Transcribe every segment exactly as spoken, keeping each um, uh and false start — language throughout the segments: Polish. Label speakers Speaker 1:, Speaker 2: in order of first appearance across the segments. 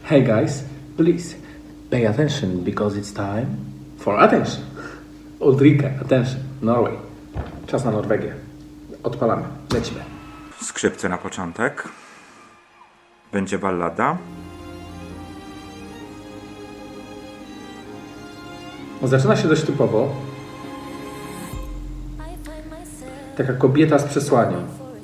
Speaker 1: Hey guys, please pay attention because it's time for attention. Ulrike, attention, Norway. Czas na Norwegię. Odpalamy, lecimy.
Speaker 2: Skrzypce na początek. Będzie ballada.
Speaker 1: Zaczyna się dość typowo. Taka kobieta z przesłaniem.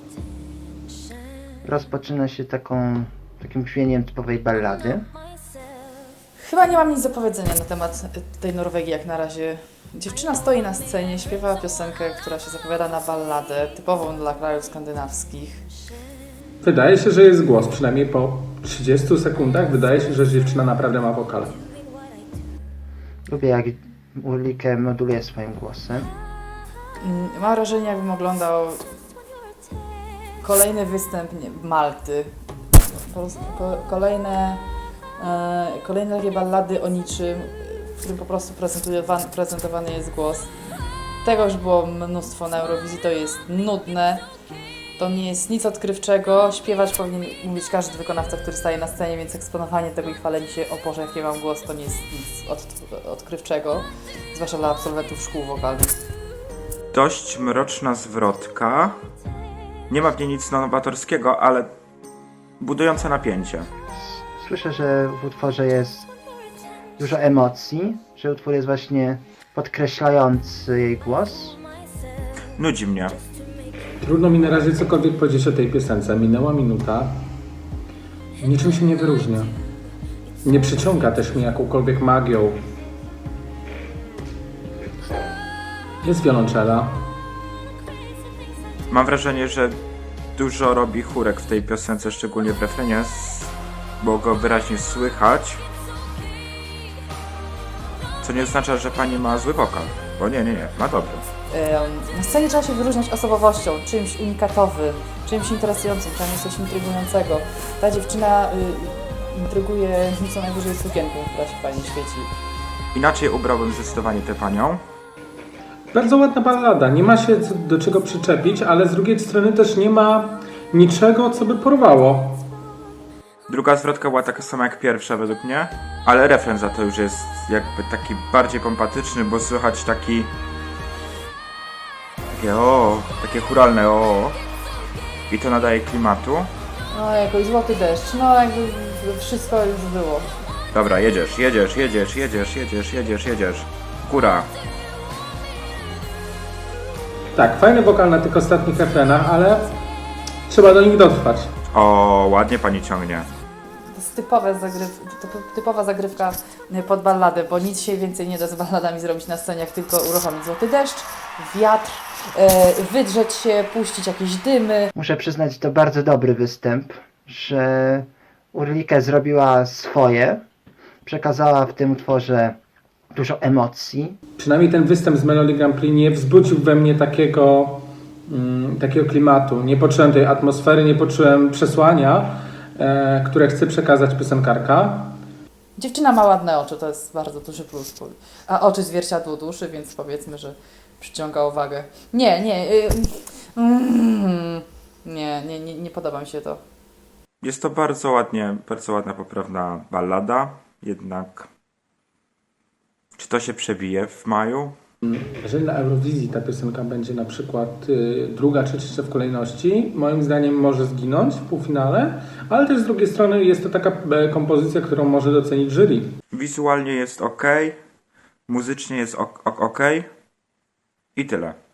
Speaker 3: Rozpoczyna się taką, takim brzmieniem typowej ballady.
Speaker 4: Chyba nie mam nic do powiedzenia na temat tej Norwegii jak na razie. Dziewczyna stoi na scenie, śpiewa piosenkę, która się zapowiada na balladę, typową dla krajów skandynawskich.
Speaker 1: Wydaje się, że jest głos, przynajmniej po trzydziestu sekundach wydaje się, że dziewczyna naprawdę ma wokal.
Speaker 3: Lubię, jak Ulrike moduluje swoim głosem.
Speaker 4: Mam wrażenie, jakbym oglądał kolejny występ nie, Malty. Po prostu ko- kolejne, e, kolejne takie ballady o niczym, w którym po prostu prezentowany, prezentowany jest głos. Tego już było mnóstwo na Eurowizji, to jest nudne. To nie jest nic odkrywczego. Śpiewać powinien umieć każdy wykonawca, który staje na scenie, więc eksponowanie tego i chwalenie się, o Boże, jaki mam głos, to nie jest nic od, odkrywczego. Zwłaszcza dla absolwentów szkół wokalnych.
Speaker 2: Dość mroczna zwrotka. Nie ma w niej nic nowatorskiego, ale budująca napięcie.
Speaker 3: Słyszę, że w utworze jest dużo emocji, że utwór jest właśnie podkreślający jej głos.
Speaker 2: Nudzi mnie.
Speaker 1: Trudno mi na razie cokolwiek powiedzieć o tej piosence. Minęła minuta. Niczym się nie wyróżnia. Nie przyciąga też mnie jakąkolwiek magią. Jest wiolonczela.
Speaker 2: Mam wrażenie, że dużo robi chórek w tej piosence, szczególnie w refrenie, bo go wyraźnie słychać. Co nie oznacza, że pani ma zły wokal. Bo nie, nie, nie, ma dobry.
Speaker 4: Na scenie trzeba się wyróżniać osobowością, czymś unikatowym, czymś interesującym, czymś coś intrygującego. Ta dziewczyna y, intryguje co najwyżej sukienką, która się fajnie świeci.
Speaker 2: Inaczej ubrałbym zdecydowanie tę panią.
Speaker 1: Bardzo ładna ballada. Nie ma się do czego przyczepić, ale z drugiej strony też nie ma niczego, co by porwało.
Speaker 2: Druga zwrotka była taka sama jak pierwsza według mnie, ale refren za to już jest jakby taki bardziej pompatyczny, bo słychać taki... Takie o, takie chóralne o. I to nadaje klimatu.
Speaker 4: No jakoś złoty deszcz, no jakby wszystko już było.
Speaker 2: Dobra, jedziesz, jedziesz, jedziesz, jedziesz, jedziesz, jedziesz, jedziesz. Góra.
Speaker 1: Tak, fajny wokal na tych ostatnich refrenach, ale trzeba do nich dotrwać.
Speaker 2: O, ładnie pani ciągnie.
Speaker 4: To jest typowe zagryw, typ- typowa zagrywka pod balladę, bo nic się więcej nie da z balladami zrobić na scenie, jak tylko uruchomić złoty deszcz, wiatr, e, wydrzeć się, puścić jakieś dymy.
Speaker 3: Muszę przyznać, to bardzo dobry występ, że Ulrike zrobiła swoje, przekazała w tym utworze dużo emocji.
Speaker 1: Przynajmniej ten występ z Melody Grand Prix nie wzbudził we mnie takiego, mm, takiego klimatu. Nie poczułem tej atmosfery, nie poczułem przesłania, e, które chce przekazać piosenkarka.
Speaker 4: Dziewczyna ma ładne oczy, to jest bardzo duży plus. A oczy zwierciadło duszy, więc powiedzmy, że przyciąga uwagę. Nie, nie, y, mm, nie, nie, nie, nie podoba mi się to.
Speaker 2: Jest to bardzo ładnie, bardzo ładna, poprawna ballada, jednak czy to się przebije w maju?
Speaker 1: Jeżeli na Eurowizji ta piosenka będzie na przykład y, druga czy trzecia w kolejności, moim zdaniem może zginąć w półfinale, ale też z drugiej strony jest to taka e, kompozycja, którą może docenić jury.
Speaker 2: Wizualnie jest ok, muzycznie jest ok, ok, ok i tyle.